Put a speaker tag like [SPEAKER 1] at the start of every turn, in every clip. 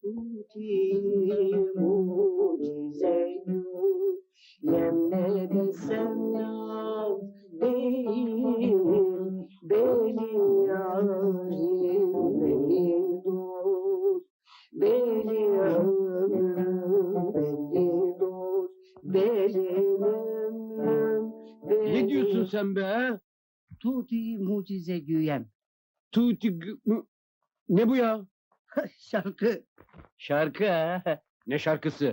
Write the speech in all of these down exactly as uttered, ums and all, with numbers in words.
[SPEAKER 1] tuti mucize yem ne desem yaz değil beni yarim beni dost beni ömrüm beni dost benim ömrüm
[SPEAKER 2] Ne diyorsun sen be? ha?
[SPEAKER 1] Tuti mucize güyem.
[SPEAKER 2] Tuti gü- mü- Ne bu ya?
[SPEAKER 1] Şarkı.
[SPEAKER 2] Şarkı ha? Ne şarkısı?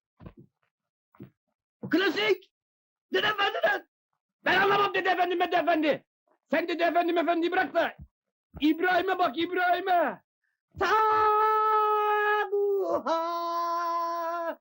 [SPEAKER 1] Klasik. Dede Efendi'den.
[SPEAKER 2] Ben anlamam Dede Efendi Dede Efendi. Sen Dede Efendi Efendi'yi bırak da İbrahim'e bak İbrahim'e.
[SPEAKER 1] Sabuha.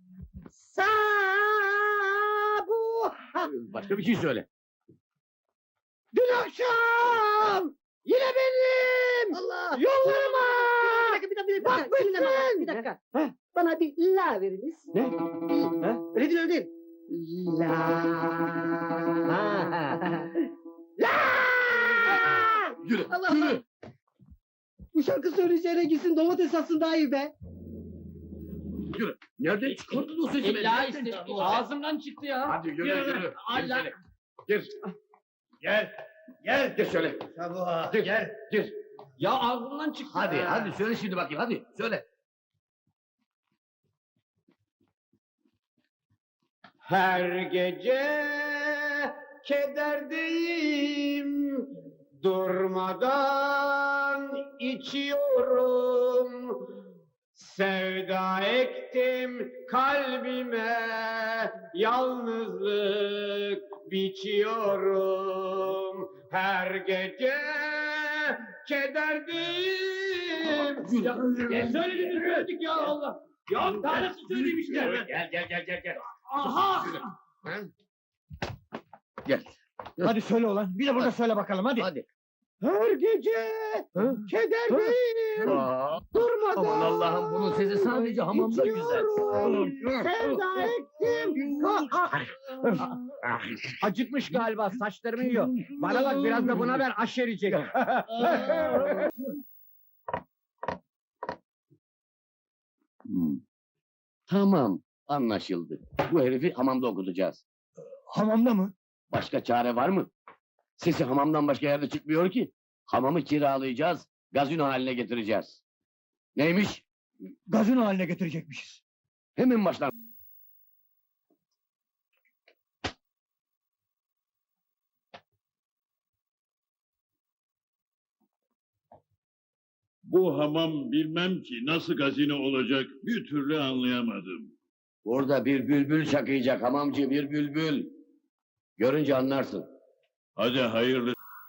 [SPEAKER 1] Sabuha.
[SPEAKER 2] Başka bir şey söyle.
[SPEAKER 1] Dün akşam. Yine benim. Allah. Yollarıma. Bir dakika, bir dakika, bir dakika. Bir dakika. Bir dakika.
[SPEAKER 2] Heh.
[SPEAKER 1] Bana bir la veriniz.
[SPEAKER 2] Ne? Ha?
[SPEAKER 1] Öyle değil, öyle değil. La. La.
[SPEAKER 2] Yürü,
[SPEAKER 1] Allah
[SPEAKER 2] yürü.
[SPEAKER 1] Allah. Bu şarkı söyleyeceğine gitsin domates satsın daha iyi be.
[SPEAKER 2] Yürü. Nereden çıkardın o sesi?
[SPEAKER 3] İlla işte ağzımdan çıktı ya.
[SPEAKER 2] Hadi yürü, yürü. Gir
[SPEAKER 3] Allah.
[SPEAKER 2] içeri. Gir. Gel. Gel. Gir şöyle.
[SPEAKER 4] Sabuha,
[SPEAKER 2] Gir.
[SPEAKER 4] gel.
[SPEAKER 2] Gir.
[SPEAKER 3] Ya ağzımdan çıktı.
[SPEAKER 4] Hadi,
[SPEAKER 3] ya.
[SPEAKER 4] hadi söyle şimdi bakayım, hadi söyle.
[SPEAKER 2] Her gece kederdeyim, durmadan içiyorum. Sevda ektim kalbime, yalnızlık biçiyorum. Her gece kederdeyim. Ya, ya söyledik söyledik ya Allah. Ya tanesi söyleyeyim işte.
[SPEAKER 4] Gel, gel, gel, gel, gel.
[SPEAKER 3] Aha!
[SPEAKER 4] Gel.
[SPEAKER 2] Hadi söyle ulan. Bir de burada söyle bakalım hadi.
[SPEAKER 4] Hadi.
[SPEAKER 2] Her gece kederdeyim.
[SPEAKER 4] Aa,
[SPEAKER 2] Durmadan.
[SPEAKER 4] aman Allah'ım, bunun sesi sadece hamamda güzel.
[SPEAKER 2] Sevda ektim. Acıkmış galiba, saçlarımı yiyor. Bana bak, biraz da buna ver, aşer yiyecek.
[SPEAKER 4] Hmm. Tamam, anlaşıldı. Bu herifi hamamda okutacağız.
[SPEAKER 2] Hamamda mı?
[SPEAKER 4] Başka çare var mı? Sesi hamamdan başka yerde çıkmıyor ki. Hamamı kiralayacağız, gazino haline getireceğiz. Neymiş?
[SPEAKER 2] Gazino haline getirecekmişiz.
[SPEAKER 4] Hemen baştan.
[SPEAKER 5] Bu hamam bilmem ki nasıl gazino olacak bir türlü anlayamadım.
[SPEAKER 4] Burada bir bülbül şakıyacak hamamcı, bir bülbül. Görünce anlarsın.
[SPEAKER 5] Hadi hayırlı.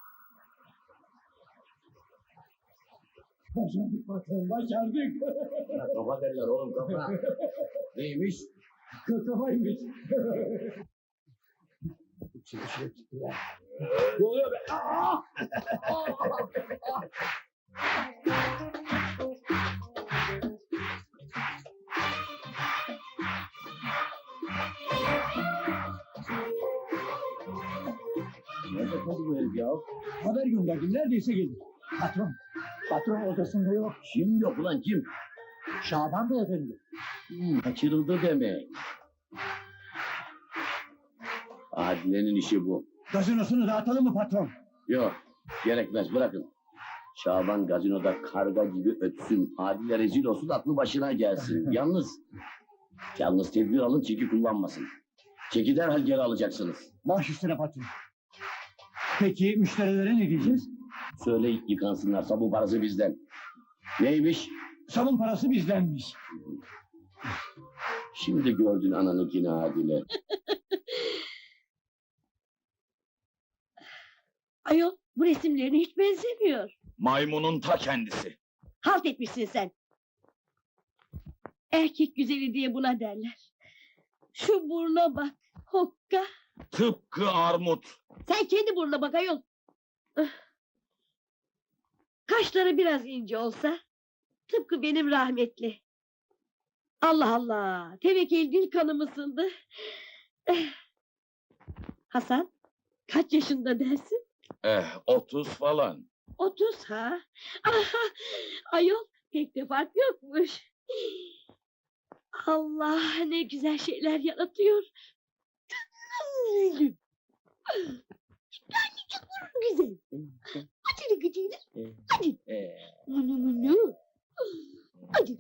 [SPEAKER 2] Başardık patron, başardık.
[SPEAKER 4] Kafa derler oğlum, kafa. Neymiş?
[SPEAKER 2] Kafaymış. Ne oluyor be? Aa!
[SPEAKER 4] Nerede kaldı bu herif ya?
[SPEAKER 2] Haber gönderdim, neredeyse gelir. Patron, patron odasında yok.
[SPEAKER 4] Kim yok ulan, kim?
[SPEAKER 2] Şaban beyefendi.
[SPEAKER 4] Hmm, kaçırıldı demek. Adile'nin işi bu.
[SPEAKER 2] Gazinosunu dağıtalım mı patron?
[SPEAKER 4] Yok, gerekmez, bırakın. Şaban gazinoda karga gibi ötsün, Adile rezil olsun, aklı başına gelsin. Yalnız, yalnız tedbir alın, çeki kullanmasın. Çeki derhal geri alacaksınız.
[SPEAKER 2] Baş üstüne patron. Peki müşterilere ne diyeceğiz?
[SPEAKER 4] Söyle yıkansınlar, sabun parası bizden. Neymiş?
[SPEAKER 2] Sabun parası bizdenmiş.
[SPEAKER 4] Şimdi gördün ananınkini Adile.
[SPEAKER 6] Ayol, bu resimlerine hiç benzemiyor.
[SPEAKER 5] Maymunun ta kendisi.
[SPEAKER 6] Halt etmişsin sen. Erkek güzeli diye buna derler. Şu burna bak, hokka.
[SPEAKER 5] Tıpkı armut.
[SPEAKER 6] Sen kendi burnuna bak ayol. Ah. Kaşları biraz ince olsa, tıpkı benim rahmetli. Allah Allah, tevekkül dil kanım ısındı. Eh. Hasan, kaç yaşında dersin?
[SPEAKER 5] Eh, otuz falan.
[SPEAKER 6] Otuz ha? Aha, ayol, pek de fark yokmuş. Allah ne güzel şeyler yaratıyor. Canım. Tanecik güzel. Hadi gıcıyla. Hadi. Mını mını. Hadi.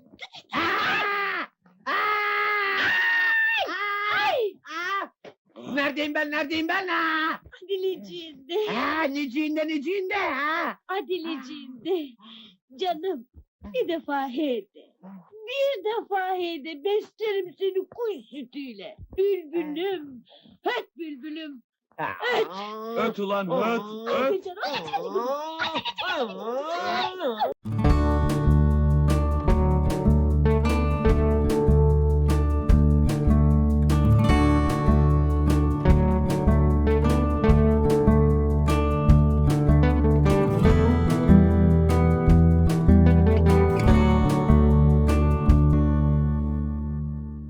[SPEAKER 6] Ay.
[SPEAKER 1] Neredeyim ben, neredeyim ben? Ha?
[SPEAKER 6] Adileciğinde.
[SPEAKER 1] Ha, neciğinde, neciğinde? Ha?
[SPEAKER 6] Adileciğinde. Canım. Bir defa hede. Bir defa hede. Beslerim seni kuş sütüyle. Bülbülüm. Öt bülbülüm. Öt.
[SPEAKER 2] Öt ulan öt, öt.
[SPEAKER 6] Hadi canım. Hadi, hadi.